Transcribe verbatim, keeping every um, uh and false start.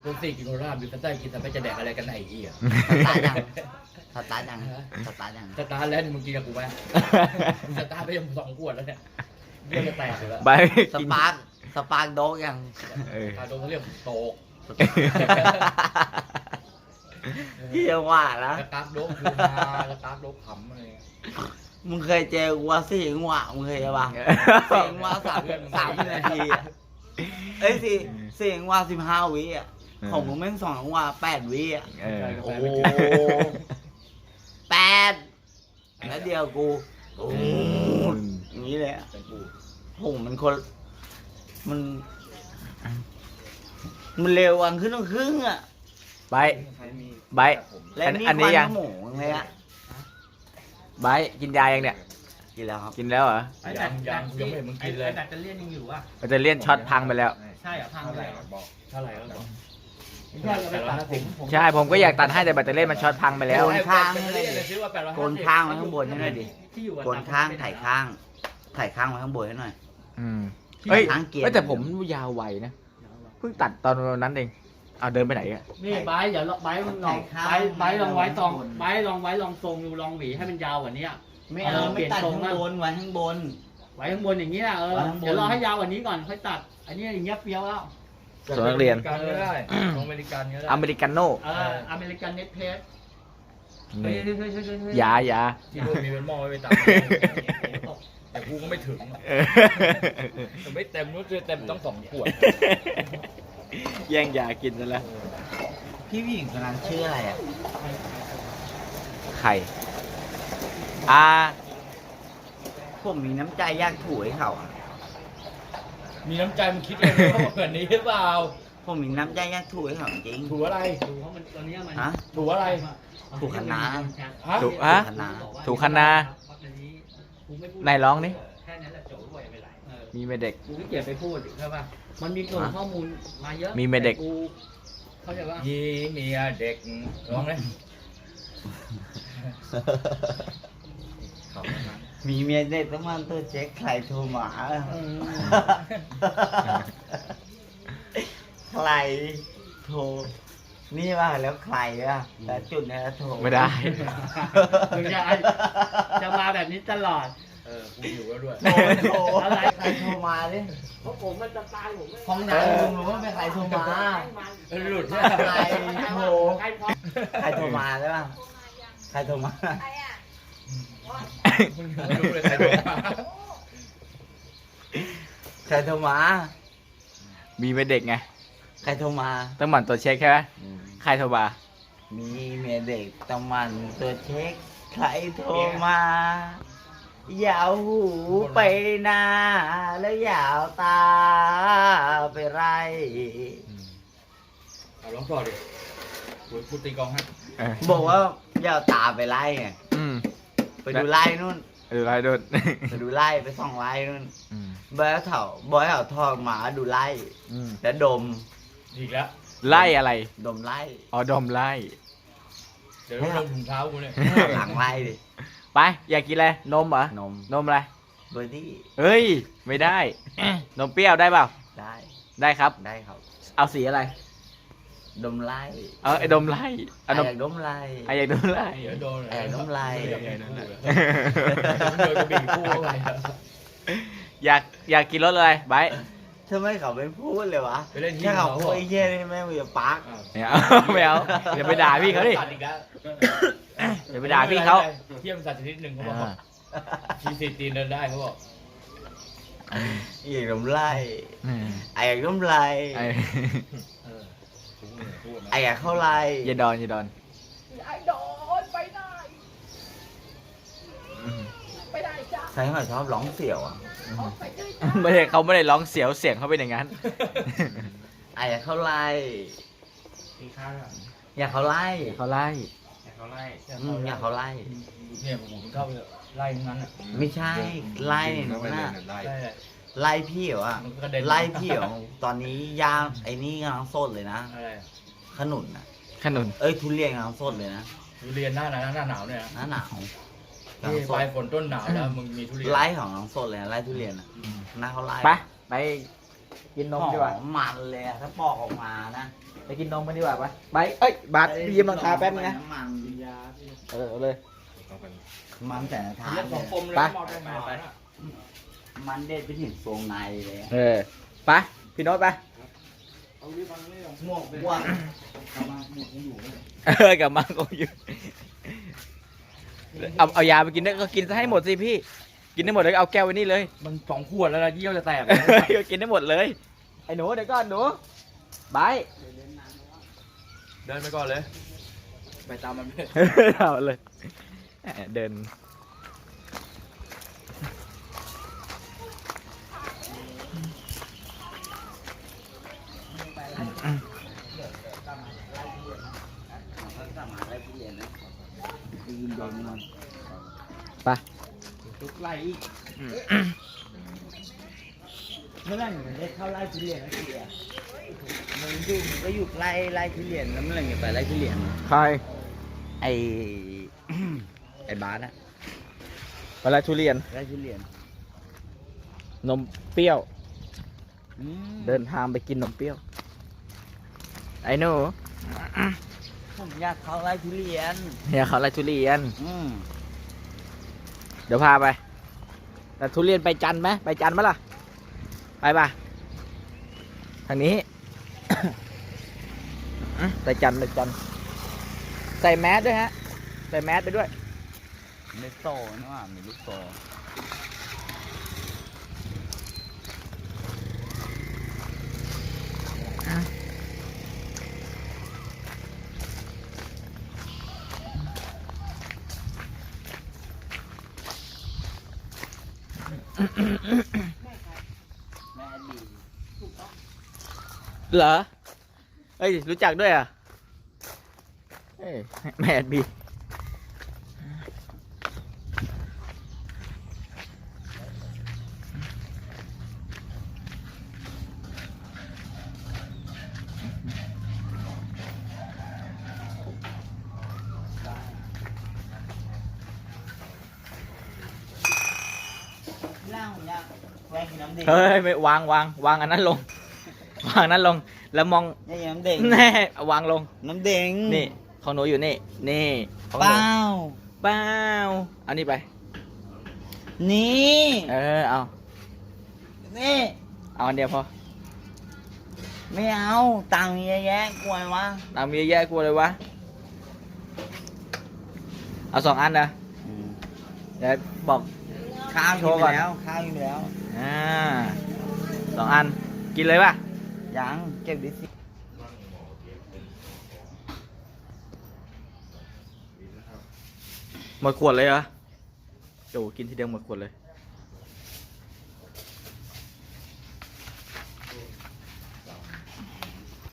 รถสี่กินโคราชบิวสต้ากินแต่ไม่จะแดกอะไรกันไหนอีอ่ะสตาร์ทยังสตาร์ทยังสตาร์ทยังสตาร์ทแล้วนี่มึงกินกับกูไหมสตาร์ทไปยังสองขวดแล้วเนี่ยเรื่องจะแตกอยู่แล้วใบสปาร์คสปาร์คโดกยังเออตาโดนเขาเรียกโตกพี่ยังว่านะสตาร์ทโดกคือฮาสตาร์ทโดกขำอะไรมึงเคยเจอกูว่าสี่จังหวะมึงเคยปะสี่จังหวะสามสามนาทีอะเอ้ยสี่สี่จังหวะสิบห้าวิอ่ะของมึงแม่งสองจังหวะแปดวิอ่ะเออโอ้โหแปดแล้วเดียวกูโอ้โหอย่างนี้เลยอ่ะเป็นปูโหมันคนมัน มันเร็ววันขึ้นต้องครึ่งอ่ะใบใบและอันนี่อันนี้ควัยังหมูเลยอ่ะใบกินยายังเนี่ยกินแล้วครับกินแล้วเหรอยังยังยังไม่เห็นมึงกินเลยไอ้แบตเตอรี่ยังอยู่อ่ะมันจะเลี่ยนช็อตพังไปแล้วใช่เหรอพังไปแล้วบอกเท่าไหร่แล้วบอกใช่เราไปตัดผมผมใช่ผมก็อยากตัดให้แต่แบตเตอรี่มันช็อตพังไปแล้วโกนข้างให้ให้เลยเลยซื้อว่าแปดร้อยโกนข้างไว้ข้างบนให้หน่อยดิที่อยู่โกนข้างถ่ายข้าง ถ่ายข้างไว้ข้างบนให้หน่อยอืมเฮ้ยข้างเกียร์เฮ้ยแต่ผมยาวไวนะเพิ่งตัดตอนนั้นเองเอาเดินไปไหนอะนี่ไบร์ทอย่าไบร์ทมึงลองไบร์ทไบร์ทลองไว้ตองไบร์ทลองไว้ลองทรงดูลองหวีให้มันยาวกว่านี้ไม่เอาไม่ตัดข้างบนไว้ข้างบนไว้ข้างบนอย่างนี้นะเออไว้ข้างบนเดี๋ยวรอให้ยาวกว่านี้ก่อนค่อยตัด อันนี้อย่างเงี้ยเปรี้ยวแล้วส่วนนักเรียนกันก็ได้ของอเมริกันก็ได้อเมริกาโน่เอออเมริกันเน็ตเพสนี่เฮ้ยเฮ้ยเฮ้ยเฮ้ยเฮ้ยยายาที่นู่นมีเป็นหม้อไว้ไปตักแต่กูก็ไม่ถึงเออแต่ไม่เต็มนู้นจะเต็มต้องสองขวดแย่งยากินซะแล้วพี่ผู้หญิงคนนั้นชื่ออะไรอ่ะไข่อ่าผมมีน้ำใจอยากถูให้เขาอะมีน้ำใจมึงคิดเองว่าเหมือนนี้หรือเปล่าผมมีน้ำใจอยากถูให้เขาจริงถูอะไรดูเพราะมันตอนนี้มันฮะถูอะไรถูกคณะฮะถูกฮะคณะถูกคณะไหนร้องนี่แค่นั้นแหละจบไปไม่ไรเออมีไหมเด็กกูขี้เกียจไปพูดใช่ป่ะมันมีกลุ่มข้อมูลมาเยอะมีไหมเด็กกูเขาใจว่ายีเมียเด็กร้องเลยเขาไม่มามีเมียเด็กต้องมาตัวเช็คใครโทรมา ใครโทร นี่ว่าแล้วใครอ่ะแต่จุดนี้แล้วโทรไม่ได้มึงจะจะมาแบบนี้ตลอดเออกูอยู่แล้วด้วยโทรโทรอะไรใครโทรมาดิเพราะผมมันจะตายผมไม่ห้องน้ำลุงรู้ว่าเป็นใครโทรมาหลุดใครโทรใครพอใครโทรมาได้ป่ะใครโทรมามึงรู้เลยใครโทรมาใครโทรมามีไหมเด็กไงใครโทรมาต้องหมั่นตัวจเช็คใช่ไหมใครโทรมามีเมียเด็กต้องมันตัวเช็ค ใครโทรมา อย่าเอาหูไปหน้า แล้วอย่าเอาตาไปไรเอาร้องต่อดิกูพูดตีกลองให้เออบอกว่าอย่าเอาตาไปไล่ไงอืมไปดูไล่นู่นเออไรโดนไปดูไล่ไปส่องไล่นู่นอืมบอยเอาเถาบอยเอาทองหมาดูไล่อืมแล้วดมอีกแล้วไล่อะไรดมไล่อ๋อดมไล่เดี๋ยวต้องลงถุงเท้ากูเนี่ยหลังไล่ดิไป อยากกินอะไร นมเหรอนมนมอะไรเบอร์ดี้เฮ้ย ไม่ได้ นมเปรี้ยวได้เปล่าได้ได้ครับได้ครับเอาสีอะไรดมไล่เออไอ้ดมไล่ไอ้เอานมอยากดมไล่ไอ้อยากดมไล่เดี๋ยวโดนแอบน้ำลายเดี๋ยวโดนโดนกระบี่คู่เข้าไปอยากอยากกินรสอะไรไบร์ททำไมเขาไม่พูดเลยวะไปเล่นที่แค่เขาเขาพูดไอ้เหี้ยนี่แม่งมีปาร์กไม่เอา ไม่เอาอย่าไปด่าพี่เขาดิตัดอีกแล้วอย่าไปด่าพี่เขาเทียมสัตว์ชนิดหนึ่งเขาบอกอ่าชีซีตีนเดินได้เขาบอกอยากดมไล่อืมไอ้อยากดมไล่ไอ้เออพูดเนี่ยพูดนะไอ้อยากเข้าไล่อย่าดอนอย่าดอนไอ้โดนไปได้อืมไปได้จ้าใครเขาชอบร้องเสียวอ่ะออกไปด้วยจ้าไม่ได้เขาไม่ได้ร้องเสียวเสียงเขาเป็นอย่างนั้นไอ้อยากเข้าไล่ตีข้างอ่ะอยากเข้าไล่เขาไล่แต่เขาไล่อืมอยากเข้าไล่เนี่ยผมเข้าไปไล่ทั้งนั้นอ่ะไม่ใช่ไล่หนูน่ะไล่เลยไล่พี่เหรอวะมันก็กระเด็นไล่พี่เหรอตอนนี้ย่างไอ้นี่กำลังสดเลยนะอะไรอะขนุนนะขนุนเอ้ยทุเรียนกำลังสดเลยนะทุเรียนหน้าหนาวหน้าหนาวเนี่ยนะหน้าหนาวกำลันี่งสปลาดยฝนต้นหนาวแล้วมึงมีทุเรียนไล่ของกำลังสดเลยนะไล่ทุเรียนอ่ะหน้าเขาไล่ไปไปกินนมหอดีกว่ามมันเลยอะถ้าปอกออกมานะไปกินนมกันดีกว่าปะไปเอ้ยบาสพี่ยิ้มราคาแป๊บนึงนะมันเออเอาเลยมันแต่ละทางเรื่องเลของยคมเลยไปมอเตอร์ไซค์ไปนะมันเด็ดไปถึงทรงในเลยอะเออไปพี่โน้ตไปหมวกบวกกำลังหมวกยังอยู่เลยเออกลับมาก็อยู่เอาเอายาไปกินได้ก็กินซะให้หมดสิพี่ กินได้หมดเลยเอาแก้วไว้นี่เลยมันสองขวดแล้วนะเยี่ยวจะแตกก็กินได้หมดเลยไอ้หนูเดี๋ยวก่อนหนูบายเดินไปก่อนเลย ไปตามมันไปเอาเลยแหมเดินสามารถได้ที่เรียนนะยืนโดนมันไปทุกไล่อีกเมื่อไหร่หนูได้เข้าไล่ทุเรียนแล้วเสียมันอยู่มันก็อยู่ไล่ไล่ทุเรียนแล้วเมื่อไหร่จะไปไล่ทุเรียนใครไอ ไอบาสอะเวลาทุเรียนไล่ทุเรียนนมเปรี้ยวอืมเดินทางไปกินนมเปรี้ยว ไอ้หนูผมอยากเข้าไล่ทุเรียนเนี่ยเขาอะไรทุเรียนอืมเดี๋ยวพาไป แต่ทุเรียนไปจันทร์ไหมไปจันทร์ไหมล่ะ ไปป่ะ ทางนี้ ไปจันทร์ไปจันทร์ใส่แมสด้วยฮะ ใส่แมสไปด้วยไม่โตนะว่ามีลูกโต แม่ดีเหรอ เอ้ย รู้จักด้วยอ่ะเอ้ยแมดบีล่างผมอยากแวะกินน้ำเด็กเฮ้ย ไม่วางวางวางอันนั้นลง วางอันนั้นลง แล้วมองนี่น้ำเด็กแน่เอาวางลงน้ำเด็กนี่ ของหนูอยู่นี่ นี่ของหเปนูล่าเปล่าเอานี่ไปนี่เออ เอานี่เอาอันเดียวพอไม่เอาตังค์เยอะแยะกลัววะตามมีเยอะแยะกลัวเลยวะ เอาสองอันนะเดี๋ยวบอกข้าวโชกินว์ไปก่อนแล้วข้าวกินไปแล้วอ่าสองอัน กินเลยป่ะยังเก็บดิสิหมดขวดเลยเหรอโจกินทีเดียวหมดขวดเลย